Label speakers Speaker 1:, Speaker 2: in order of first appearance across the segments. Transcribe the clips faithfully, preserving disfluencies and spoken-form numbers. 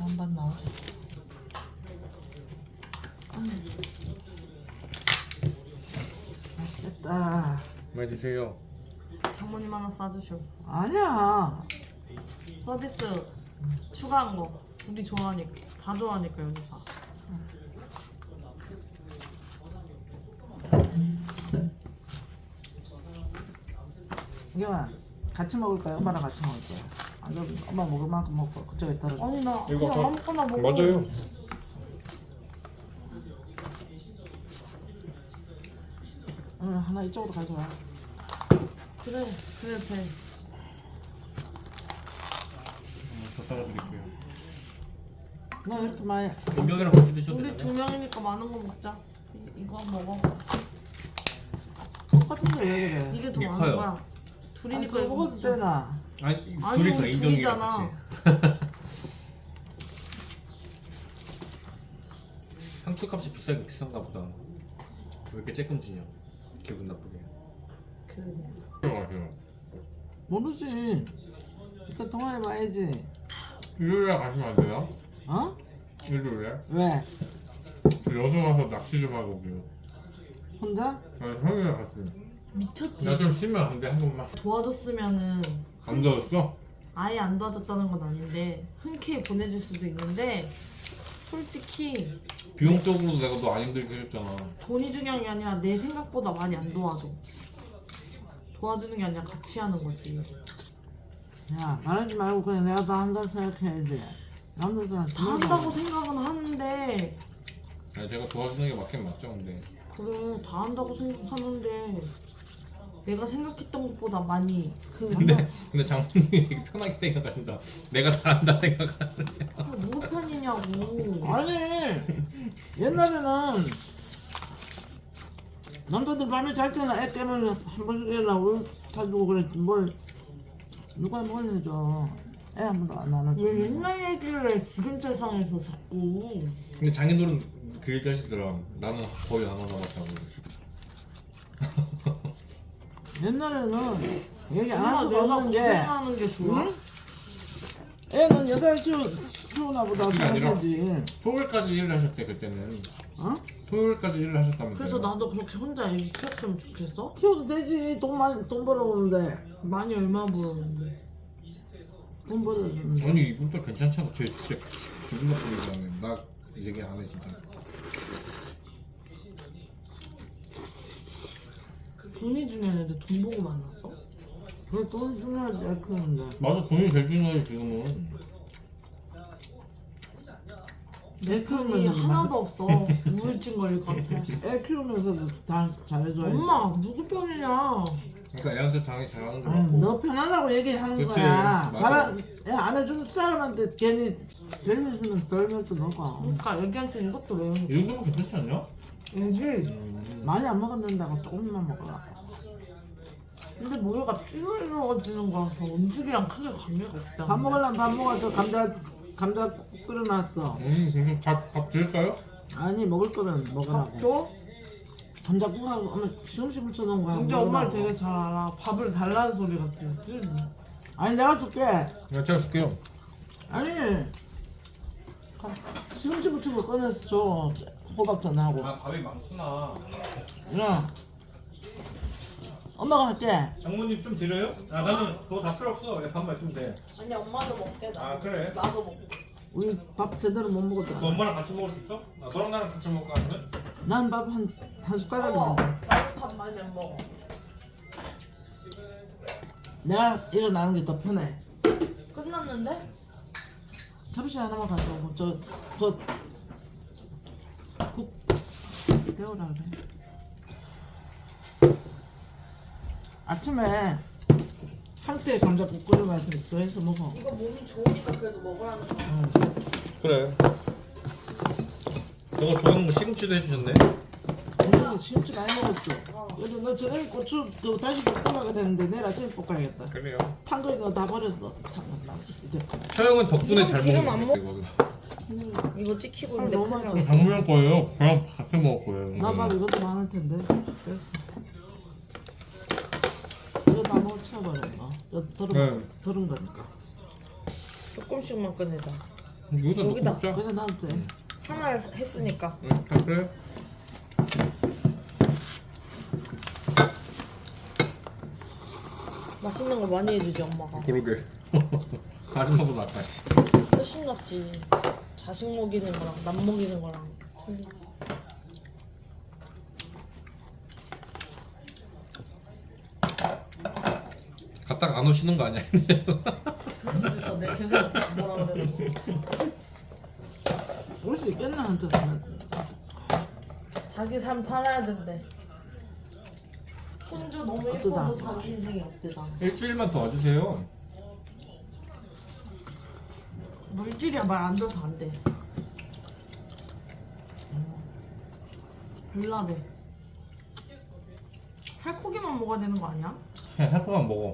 Speaker 1: 반반 나오죠. 음. 맛있겠다.
Speaker 2: 많이 드세요.
Speaker 3: 장모님 하나 싸주쇼.
Speaker 1: 아니야.
Speaker 3: 서비스 추가한 거 우리 좋아하니까 다 좋아하니까 여기 다.
Speaker 1: 이경아 같이 먹을까요? 엄마랑 같이 먹을까요? 안 그러면 엄마 먹을 만큼 먹고 그쪽에 떨어져.
Speaker 3: 아니 나
Speaker 2: 이거
Speaker 3: 그냥
Speaker 2: 다-
Speaker 3: 아무거나 먹어.
Speaker 2: 맞아요.
Speaker 1: 응, 하나 이쪽으로 가져와.
Speaker 3: 그래 그래 돼.
Speaker 2: 더 따라 드릴게요.
Speaker 1: 너 이렇게 많이
Speaker 2: 변경이랑 같이 드셔도
Speaker 3: 우리
Speaker 2: 되나요?
Speaker 3: 두 명이니까 많은 거 먹자. 이- 이거 먹어.
Speaker 1: 똑같은데 왜 그래?
Speaker 3: 이게 더
Speaker 2: 이게
Speaker 3: 많은
Speaker 2: 커요.
Speaker 3: 거야.
Speaker 1: 아니
Speaker 3: 둘이니까
Speaker 1: 그거
Speaker 3: 이거
Speaker 1: 먹어도
Speaker 3: 먹자.
Speaker 1: 되나?
Speaker 2: 아니
Speaker 3: 아니,
Speaker 2: 둘이서
Speaker 3: 우리
Speaker 2: 인정이랑
Speaker 3: 둘이잖아.
Speaker 2: 같이. 상추값이 비싸긴 비싼가 보다. 왜 이렇게 쬐끔 주냐? 기분 나쁘게.
Speaker 3: 그래.
Speaker 2: 들어가세요.
Speaker 1: 모르지. 일단 통화해봐야지.
Speaker 2: 일요일에 가시면 안 돼요?
Speaker 1: 어?
Speaker 2: 일요일에?
Speaker 1: 왜?
Speaker 2: 여수 가서 낚시 좀 하고 오게요.
Speaker 1: 혼자?
Speaker 2: 아니 형이랑 같이.
Speaker 3: 미쳤지.
Speaker 2: 나 좀 쉬면 안 돼? 한 번만.
Speaker 3: 도와줬으면은
Speaker 2: 안 더웠어?
Speaker 3: 아예 안 도와줬다는 건 아닌데 흔쾌히 보내줄 수도 있는데 솔직히
Speaker 2: 비용적으로도 내가 너 안 힘들게 해줬잖아.
Speaker 3: 돈이 중요한 게 아니라 내 생각보다 많이 안 도와줘. 도와주는 게 아니라 같이 하는 거지.
Speaker 1: 야 말하지 말고 그냥 내가 다 한다고 생각해야지. 남들한테
Speaker 3: 다 한다고 생각은 하는데
Speaker 2: 아니 제가 도와주는 게 맞긴 맞죠 근데.
Speaker 3: 그래 다 한다고 생각하는데 내가 생각했던 것보다 많이 그
Speaker 2: 근데 근데 장모님이 되게 편하게 생각한다. 내가 잘한다 생각하는데.
Speaker 3: 그 누구 편이냐고.
Speaker 1: 아니 옛날에는 남자들 밤에 잘 때는 애 깨면 한 번씩 일어나 울 타주고 그랬지 뭘 누가 뭘 해줘. 애 한 번도 안 안아줘.
Speaker 3: 왜 옛날 얘기를 지금 세상에서 자꾸.
Speaker 2: 근데 장인어른 그 얘기 하시더라. 나는 거의 안 하나봤다고.
Speaker 1: 옛날에는 얘기 안 할
Speaker 3: 엄마
Speaker 1: 수가
Speaker 3: 내가
Speaker 1: 없는 게
Speaker 3: 고생하는 게 좋아?
Speaker 1: 응? 애는 여자를 키우, 키우나 보다
Speaker 2: 그게 아니라
Speaker 1: 생각하지.
Speaker 2: 토요일까지 일을 하셨대 그때는.
Speaker 1: 어?
Speaker 2: 토요일까지 일을 하셨다면서요.
Speaker 3: 그래서 나도 그렇게 혼자 애기 키웠으면 좋겠어?
Speaker 1: 키워도 되지. 돈 많이 돈 벌어오는데
Speaker 3: 많이 얼마 벌었는데.
Speaker 1: 돈 벌어주는데.
Speaker 2: 아니 이분 또 괜찮잖아. 쟤 진짜 기분 나쁘게 얘기하네. 나 얘기 안 해 진짜.
Speaker 3: 돈이 중요했는데 돈 보고 만났어?
Speaker 1: 그돈 중요하지 애 키우는데.
Speaker 2: 맞아 돈이 제일 중요해 지금은.
Speaker 3: 내 편이 하나도 없어. 우울증 걸릴 것 같아.
Speaker 1: 애 키우면서도 다 잘해줘야지.
Speaker 3: 엄마 누구 편이냐?
Speaker 2: 그러니까 애한테 당연히 잘하는 거
Speaker 1: 아유,
Speaker 2: 같고.
Speaker 1: 너 편하다고 얘기하는
Speaker 2: 그치,
Speaker 1: 거야.
Speaker 2: 맞아.
Speaker 1: 바람 애안 해주는 사람한테 괜히 젊은이는 덜면서 너가
Speaker 3: 그러니까 애기한테 이것도 왜
Speaker 2: 이 정도면 괜찮지 않냐?
Speaker 3: 애기
Speaker 2: 음.
Speaker 1: 많이 안 먹었는다고 조금만 먹어라.
Speaker 3: 근데 모유가 피로 이루어지는 거라서 음식이랑 크게 관계가 없잖아.
Speaker 1: 밥 먹으려면 밥 먹어서 감자 감자 끓여놨어.
Speaker 2: 음, 그럼 밥, 밥 드릴까요?
Speaker 1: 아니 먹을 거는 먹으라고.
Speaker 3: 밥 줘?
Speaker 1: 감자국하고 엄마 시금치 묻혀놓은 거 하고
Speaker 3: 근데 엄마를
Speaker 1: 먹으라고.
Speaker 3: 되게 잘 알아. 밥을 달라는 소리 같지?
Speaker 1: 아니 내가 줄게.
Speaker 2: 네, 제가 줄게요.
Speaker 1: 아니 시금치 묻힌 거 꺼내서 줘. 호박전하고.
Speaker 2: 아, 밥이 많구나.
Speaker 1: 야 엄마가 할게.
Speaker 2: 장모님 좀 드려요? 아, 나는 그거 다 필요 없어. 그냥 밥만 있으면 돼.
Speaker 3: 아니 엄마도 먹게 나.
Speaker 2: 아, 그래?
Speaker 3: 나도 먹고.
Speaker 1: 우리 밥 제대로 못
Speaker 2: 너
Speaker 1: 먹었잖아.
Speaker 2: 엄마랑 같이 먹을 수 있어? 아, 너랑 나랑 같이 먹을까 아니면?
Speaker 1: 난 밥 한 한 숟가락
Speaker 3: 어,
Speaker 1: 먹어.
Speaker 3: 나도 밥 많이 안 먹어.
Speaker 1: 내가 일어나는 게 더 편해.
Speaker 3: 끝났는데?
Speaker 1: 접시 하나만 가져오고 저저국 데우라 그래. 아침에 상태 감자국 끓여봐서 더해서 먹어.
Speaker 3: 이거 몸이 좋으니까 그래도 먹으라는 거야.
Speaker 1: 응.
Speaker 2: 그래. 너가 좋아하는 거 시금치도 해주셨네.
Speaker 1: 오늘 시금치 많이 먹었어. 그래서 너 저녁에 고추 그 다시 볶으려고 그랬는데 내일 아침에 볶아야겠다.
Speaker 2: 그래요.
Speaker 1: 탄 거 이거 다 버렸어. 탄 거. 이제
Speaker 2: 처형은 덕분에
Speaker 3: 이건
Speaker 2: 잘
Speaker 3: 기름
Speaker 2: 먹는
Speaker 3: 안
Speaker 2: 거 같아. 이거.
Speaker 3: 이거 찍히고
Speaker 1: 아,
Speaker 3: 있는데
Speaker 1: 너무
Speaker 3: 큰일
Speaker 1: 많다.
Speaker 3: 났어.
Speaker 2: 장모님 거예요. 그냥 같이 먹을 거예요.
Speaker 1: 나밥 이것도 많을 텐데. 됐어. 이거 다 먹어 치워버려. 너. 저 더른
Speaker 2: 네.
Speaker 1: 더른 거니까.
Speaker 3: 조금씩만 꺼내자.
Speaker 2: 여기다 넣고
Speaker 3: 여기다.
Speaker 2: 먹자.
Speaker 1: 그래서 나도 돼.
Speaker 2: 응.
Speaker 3: 하나를 했으니까.
Speaker 2: 응, 다 그래.
Speaker 3: 맛있는 거 많이 해주지 엄마가.
Speaker 2: 그러게. 아줌마보다 낫다. 씨.
Speaker 3: 훨씬 낫지. 자식 먹이는 거랑 남 먹이는 거랑 틀리지.
Speaker 2: 갔다가 안 오시는 거 아니야?
Speaker 3: 그럴 수도 있어. 내가 계속 뭐라 그래.
Speaker 1: 올 수 있겠나 한테.
Speaker 3: 자기 삶 살아야 된대. 손주 너무
Speaker 1: 어쩌다.
Speaker 3: 예뻐도 자기 인생이 없대잖아.
Speaker 2: 일주일만 더 와주세요.
Speaker 3: 물질이야 말 안 들어서 안 돼. 별나대. 살코기만 먹어야 되는 거 아니야?
Speaker 2: 그냥 살코만 먹어.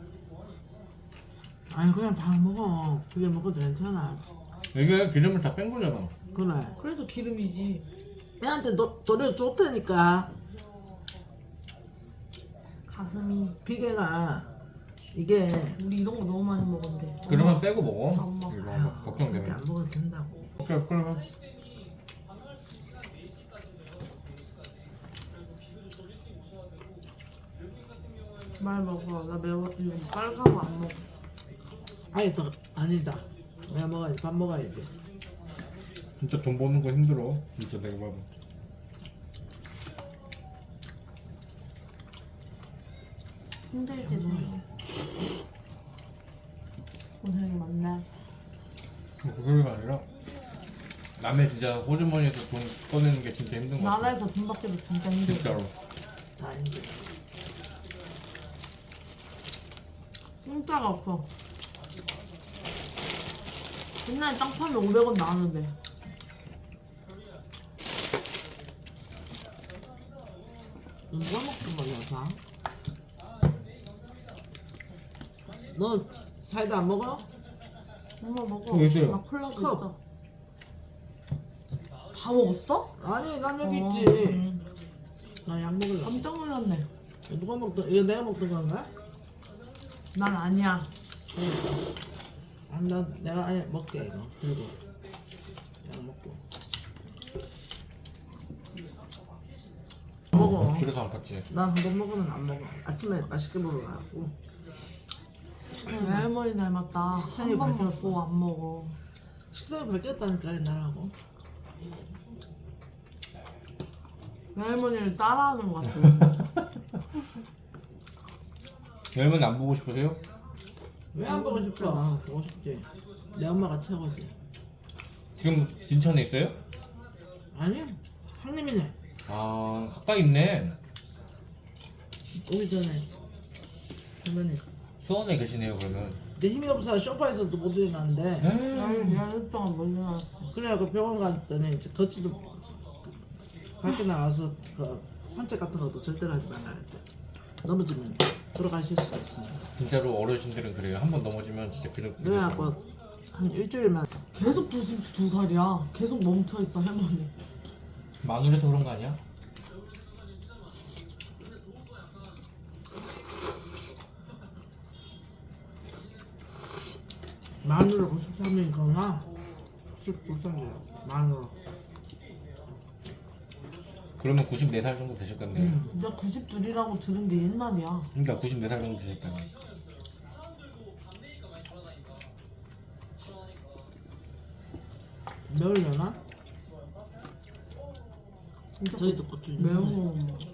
Speaker 1: 아니 그냥 다 먹어. 그게 먹어도 괜찮아.
Speaker 2: 이게 기름을 다 뺀 거잖아.
Speaker 1: 그래.
Speaker 3: 그래도 기름이지.
Speaker 1: 애한테 너, 노래 좋다니까.
Speaker 3: 가슴이.
Speaker 1: 비계가 이게
Speaker 3: 우리 이런 거 너무 많이 먹었는데.
Speaker 2: 그러면 빼고 먹어.
Speaker 3: 엄마.
Speaker 2: 이거
Speaker 1: 아유,
Speaker 2: 막
Speaker 1: 그렇게
Speaker 2: 걱정되면.
Speaker 1: 안 먹어도 된다고.
Speaker 2: 오케이, 그러면.
Speaker 3: 말 먹어. 나 매워. 이거 빨간 거 안 먹어.
Speaker 1: 아니 더 아니다. 왜 먹어야지? 밥 먹어야지.
Speaker 2: 진짜 돈 버는 거 힘들어. 진짜 내가 봐도.
Speaker 3: 힘들지 너. 고생이 많네.
Speaker 2: 그 소리가 아니라 남의 진짜 호주머니에서 돈 꺼내는 게 진짜 힘든 거 같아.
Speaker 3: 나라에서 돈 받기도 진짜 힘들어.
Speaker 2: 진짜로.
Speaker 1: 다 이제
Speaker 3: 공짜가 없어. 옛날에 땅 파면 오백 원 나왔는데.
Speaker 1: 누가 먹던 거야 상? 너 사이다 안 먹어?
Speaker 3: 엄마 먹어.
Speaker 2: 어, 있어요.
Speaker 3: 나 콜라도
Speaker 1: 컵.
Speaker 3: 있어. 다 먹었어?
Speaker 1: 아니 난 여기
Speaker 3: 어,
Speaker 1: 있지.
Speaker 3: 음.
Speaker 1: 나 약 먹을래.
Speaker 3: 깜짝 놀랐네.
Speaker 1: 누가 먹던? 이거 내가 먹던 건가?
Speaker 3: 난 아니야.
Speaker 1: 아, 나 내가 아예 먹게 이거. 그리고 약 먹고. 먹어.
Speaker 2: 그래서 안 팠지.
Speaker 1: 난 한 번 먹으면 안 먹어. 아침에 맛있게 먹으라고.
Speaker 3: 외할머니 닮았다.
Speaker 1: 식상이
Speaker 3: 한 번
Speaker 1: 바뀌었어.
Speaker 3: 먹고 안 먹어.
Speaker 1: 식사가 바뀌었다니까 나라고.
Speaker 3: 외할머니를 따라하는 것 같아.
Speaker 2: 여러분 안 보고 싶으세요?
Speaker 1: 왜 안 보고 싶어? 보고 싶지. 내 엄마가 최고지.
Speaker 2: 지금 진천에 있어요?
Speaker 1: 아니 한림이네.
Speaker 2: 아 가까이 있네.
Speaker 1: 오기 전에 할머니.
Speaker 2: 수원에 계시네요 그러면.
Speaker 1: 내 힘이 없어 소파에서도 못 일어나는데.
Speaker 3: 나는 열흘 동안 못 일어났어.
Speaker 1: 그래갖고 병원 갔더니 이제 걷지도 밖에 나가서 그 산책 같은 것도 절대로 하지 말라 했대. 넘어지면 돌아가실 수가 있으니까.
Speaker 2: 진짜로 어르신들은 그래요. 한 번 넘어지면 진짜 그냥.
Speaker 1: 그래갖고 한 일주일만
Speaker 3: 계속 두, 두 살이야. 계속 멈춰 있어 할머니.
Speaker 2: 마누라도 그런 거 아니야?
Speaker 1: 마누라 구십삼 년이구나. 구십구 살이야 마누라.
Speaker 2: 그러면 구십네 살 정도 되셨겠네.
Speaker 1: 응.
Speaker 3: 나 구십이라고 들은 게 옛날이야.
Speaker 2: 그러니까 구십네 살 정도 되셨다고.
Speaker 1: 매울려나?
Speaker 3: 진짜
Speaker 1: 저희도 고추
Speaker 3: 매운 거 못 먹어.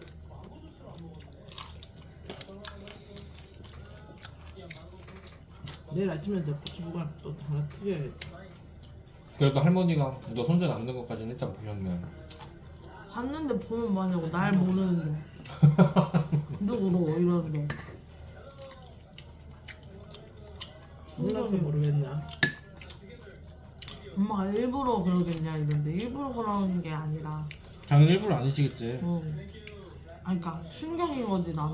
Speaker 1: 내일 아침에 저 고추부가 또 하나 튀겨야지.
Speaker 2: 그래도 할머니가 너 손자 남는 것까지는 일단 보셨네.
Speaker 3: 봤는데 보면 뭐냐고 날 모르는데. 누구로 이러는데.
Speaker 1: 몰라서 모르겠나?
Speaker 3: 엄마가 일부러 그러겠냐 이런데 일부러 그러는 게 아니라.
Speaker 2: 당연히 일부러 아니시겠지.
Speaker 3: 응. 아니 그니까 충격인 거지 나는.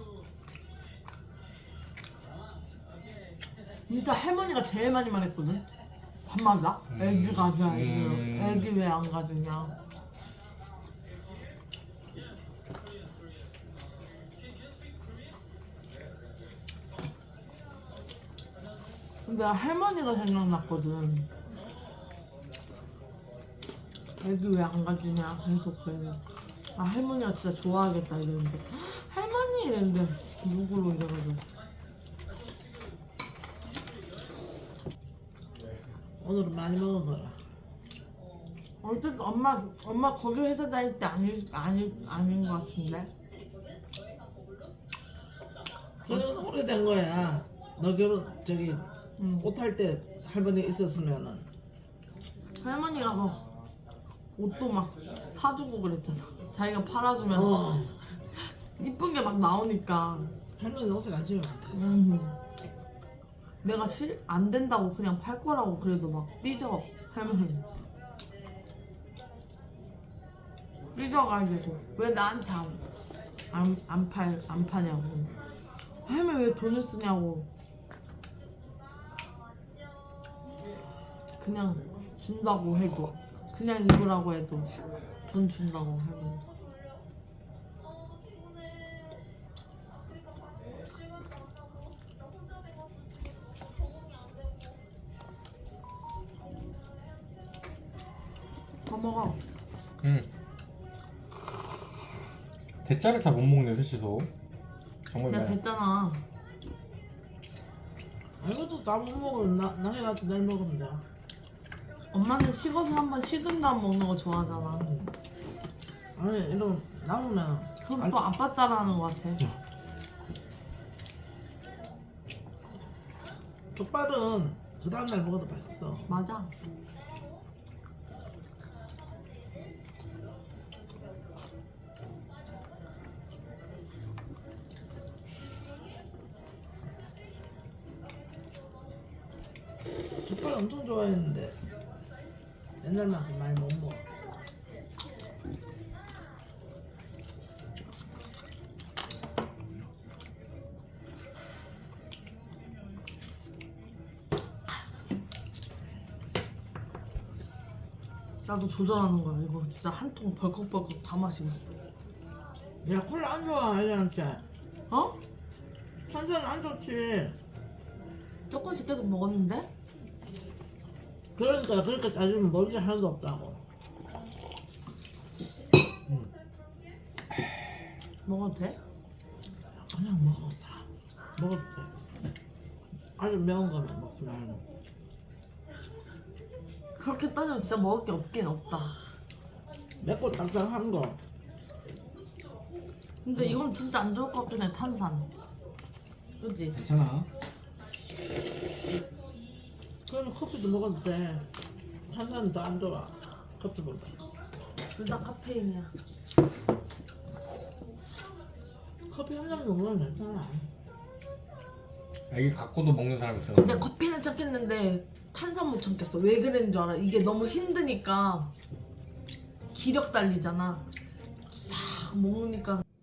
Speaker 3: 진짜 할머니가 제일 많이 말했거든. 밥 맞아? 애기 가자 애기.
Speaker 2: 음.
Speaker 3: 애기 왜 안 가지냐. 근데 할머니가 생각났거든. 애기 왜 안 가주냐 계속 그래. 아 할머니가 진짜 좋아하겠다 이랬는데 할머니 이랬는데 누구로 이래가지고
Speaker 1: 오늘은 많이 먹은 거라.
Speaker 3: 어쨌든 엄마 엄마 거기 회사 다닐 때 아니 아니 아닌 것 같은데.
Speaker 1: 그건 오래된 거야. 너 결혼 저기
Speaker 3: 응.
Speaker 1: 옷 할 때 할머니 있었으면은
Speaker 3: 할머니가 막 옷도 막 사주고 그랬잖아. 자기가 팔아주면
Speaker 1: 어
Speaker 3: 이쁜 게 막 나오니까.
Speaker 1: 할머니 옷에 관심이 많대.
Speaker 3: 음. 내가 실 안 된다고 그냥 팔 거라고 그래도 막 삐져 할머니. 삐져가지고 왜 나한테 안안 팔 안 파냐고. 할머니 왜 돈을 쓰냐고. 그냥 준다고 해도 그냥 입으라고 해도 돈 준다고 할머니. 더 먹어.
Speaker 2: 응. 대짜를 다 못 먹네 셋이서. 정말
Speaker 3: 내가
Speaker 2: 많이.
Speaker 3: 됐잖아.
Speaker 1: 아, 이것도 다 못 먹으면 나 나중에 가서 내일 먹으면 돼.
Speaker 3: 엄마는 식어서 한번 식은 다음 먹는 거 좋아하잖아.
Speaker 1: 아니 이런 남으면
Speaker 3: 그럼 또 아빠 따라하는 거 같아.
Speaker 1: 족발은 그 다음날 먹어도 맛있어.
Speaker 3: 맞아.
Speaker 1: 족발 엄청 좋아했는데 옛날만큼 많이 못 먹어.
Speaker 3: 나도 조절하는 거야. 이거 진짜 한 통 벌컥벌컥 다 마시고 싶어.
Speaker 1: 야 콜라 안 좋아 애들한테.
Speaker 3: 어?
Speaker 1: 탄산 안 좋지.
Speaker 3: 조금씩 계속 먹었는데?
Speaker 1: 그러니까 그렇게 따지면 먹을 게 하나도 없다고.
Speaker 2: 응.
Speaker 3: 먹어도 돼?
Speaker 1: 그냥 먹어 다. 먹어도 돼. 아주 매운 거만 먹지 말고.
Speaker 3: 그렇게 따지면 진짜 먹을 게 없긴 없다.
Speaker 1: 맵고 딱딱한 거.
Speaker 3: 근데 이건 진짜 안 좋을 것 같긴 해. 탄산. 그치?
Speaker 2: 괜찮아.
Speaker 1: 그러면 커피도 먹어도 돼. 탄산은 더 안 좋아. 커피보다.
Speaker 3: 둘 다 카페인이야.
Speaker 1: 커피 한 잔 먹으면 괜찮아.
Speaker 2: 애기 갖고도 먹는 사람 있어.
Speaker 3: 근데 커피는 참겠는데 탄산 못 참겠어. 왜 그랬는 줄 알아? 이게 너무 힘드니까 기력 달리잖아. 싹 먹으니까